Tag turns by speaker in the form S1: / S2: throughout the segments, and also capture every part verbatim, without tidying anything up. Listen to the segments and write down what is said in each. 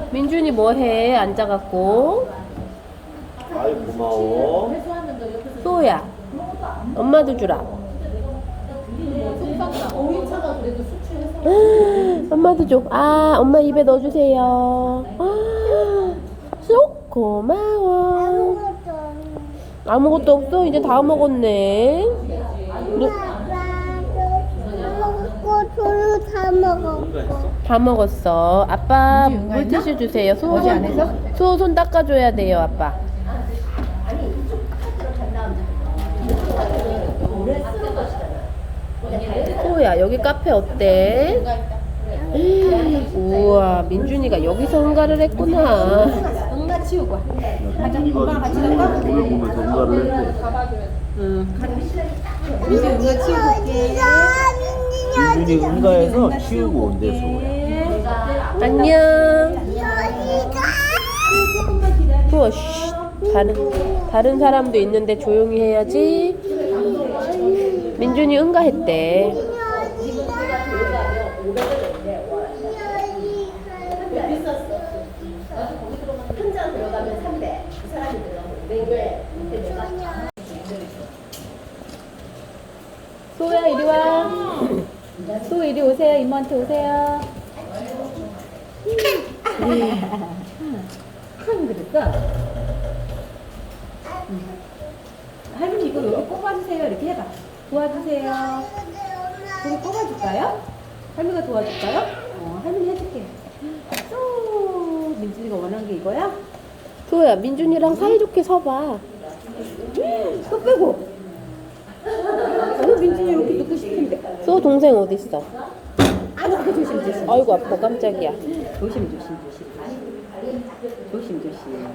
S1: 민준이 뭐해? 앉아갖고.
S2: 아이 고마워.
S1: 소야, 엄마도 주라. 엄마도 줘. 아, 엄마 입에 넣어주세요. 아, 쏙 고마워. 아무것도 없어? 이제 다 먹었네. 누,
S3: 저도 다 먹어.
S1: 다 먹었어. 아빠 물티슈 주세요. 소, 소 손 닦아줘야 돼요, 아빠. 소야, 여기 카페 어때? 우와, 민준이가 여기서 응가를 했구나.
S4: 응가 치우고. 가자.
S2: 민준이가
S4: 엄마랑 같이 갈까?
S2: 노래 보면서 응가를 했대.
S4: 응. 민준이 응가 치우고.
S2: 민준이 응가에서 치우고 온대 소야.
S1: 안녕. 또 쉬. 다른 다른 사람도 있는데 조용히 해야지. 민준이 응가했대. 소야 이리 와. 소 이리 오세요. 이모한테 오세요.
S4: 큰 그랬어. 할머니 이거 여기 꼽아주세요. 이렇게 해봐. 도와주세요. 여기 꼽아줄까요? 할머니가 도와줄까요? 어, 할머니 해줄게. 또 민준이가 원하는 게 이거야?
S1: 소야, 민준이랑 사이좋게 서봐.
S4: 또 빼고. 어, 민준이 이렇게 넣고 싶은데.
S1: 소 동생 어디 있어?
S4: 아이고 조심 조심.
S1: 아이고 아파 깜짝이야.
S4: 조심 조심 조심. 조심 조심.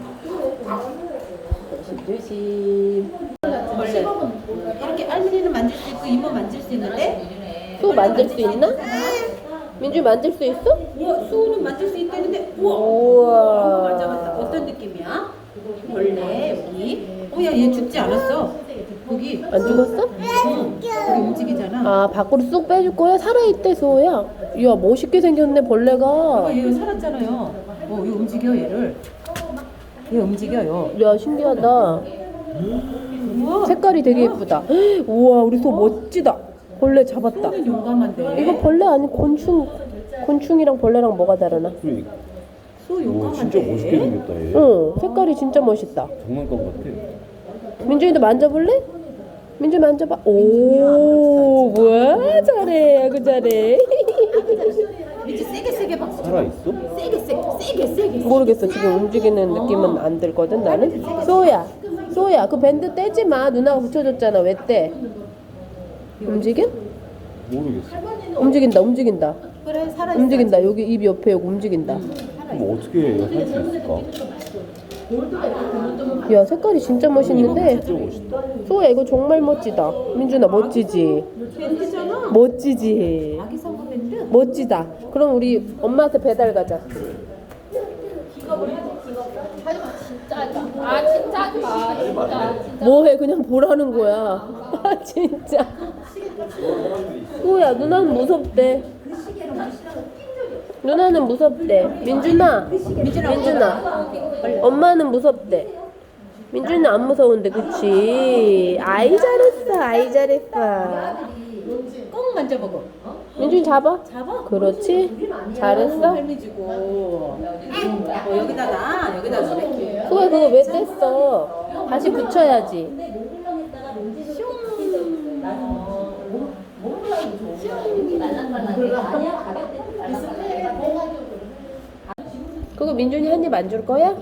S4: 조심 조심. 원래 이렇게 할머니는 만질 수 있고 이모 만질 수 있는데.
S1: 소 만질 수 있나? 민준이 만질 수 있어?
S4: 우와 수호는 만질 수 있다는데. 우와.
S1: 우와.
S4: 맞아 맞아. 어떤 느낌이야? 벌레 여기. 오야 얘 죽지 않았어. 여기.
S1: 안 죽었어?
S4: 응. 여기 움직이잖아.
S1: 아 밖으로 쑥 빼줄 거야? 살아있대 소야. 이야 멋있게 생겼네 벌레가.
S4: 아, 얘 살았잖아요. 어, 얘 움직여 얘를. 얘 움직여요.
S1: 야 신기하다.
S4: 우와.
S1: 색깔이 되게 예쁘다. 우와 우리 소 멋지다. 벌레 잡았다.
S4: 소는 용감한데.
S1: 이거 벌레 아니 곤충. 곤충이랑 벌레랑 뭐가 다르나?
S2: 그러니까.
S4: 소
S2: 오
S4: 용감한데.
S2: 진짜 멋있게 생겼다 얘.
S1: 응 색깔이 진짜 멋있다.
S2: 장난감 같아.
S1: 민준이도 만져볼래? 민준이 만져봐. 오 뭐야 잘해 아구 잘해.
S4: 이제 세게 세게 박수.
S2: 살아 있어?
S4: 세게 세게 세게 세게.
S1: 모르겠어 지금 움직이는 느낌은 안 들거든 나는. 소야 소야 그 밴드 떼지 마. 누나가 붙여줬잖아. 왜 떼? 움직여?
S2: 모르겠어.
S1: 움직인다 움직인다
S4: 그래 살아.
S1: 움직인다. 여기 입 옆에 여기 움직인다.
S2: 그럼 어떻게 할 수 있을까?
S1: 야 색깔이 진짜 멋있는데.
S2: 진짜 멋있다.
S1: 소야 이거 정말 멋지다. 민준아 멋지지?
S4: 밴드잖아.
S1: 멋지지?
S4: 아기 상어 밴드.
S1: 멋지다. 그럼 우리 엄마한테 배달 가자.
S5: 아 진짜 하지 마. 진짜 진짜.
S1: 뭐해 그냥 보라는 거야. 아 진짜. 소야 누나는 무섭대. 누나는 무섭대. 민준아. 민준아. 엄마는 무섭대. 민준이는 안 무서운데 그치? 아이 잘했어 아이 잘했어.
S4: 꼭 만져보고.
S1: 민준이 잡아.
S4: 잡아.
S1: 그렇지. 잘했어.
S4: 할미 주고. 어, 여기다가 여기다가 이렇게.
S1: 소야 그거 왜 뗐어? 다시 붙여야지. 그거 민준이 한 입 안 줄 거야?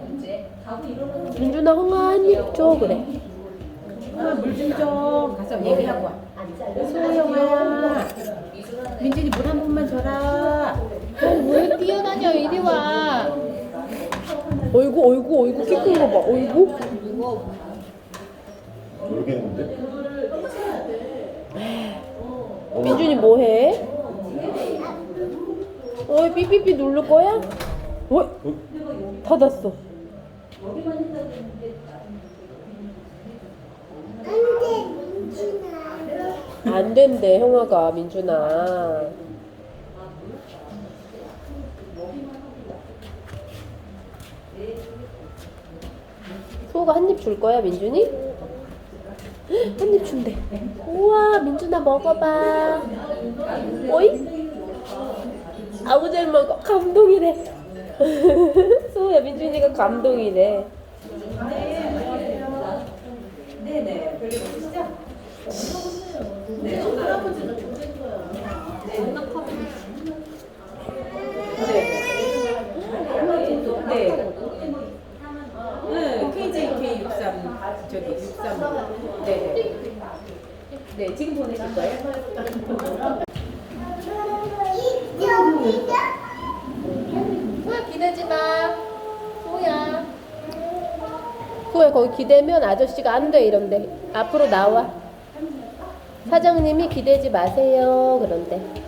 S1: 민준아 홍아 한 입 줘 그래.
S4: 물 좀 줘. 가서 얘기하고 와. 소영아. 민준이 물 한 번만 줘라.
S5: 왜 뛰어다녀 이리 와.
S1: 어이구 어이구 어이구 키 큰 거 봐. 어이구.
S2: 모르겠는데?
S1: 민준이 뭐해? 어이 삐삐삐 누를 거야? 어? 닫았어. 안 된대 형아가. 민준아 소가 한 입 줄 거야, 민준이? 한 입 준대. 우와, 민준아 먹어봐. 오이? 아우 잘 먹어. 감동이래. 소야, 민준이가 감동이래.
S4: 네네. 별일 없으시죠? 네. 네. 네. 네. 케이제이케이 육십삼 저기 육십삼. 네. 네. 지금 보내실 거예요?
S5: 소야 기대지 마. 소야.
S1: 소야, 거기 기대면 아저씨가 안 돼 이런데. 앞으로 나와. 사장님이 기대지 마세요 그런데.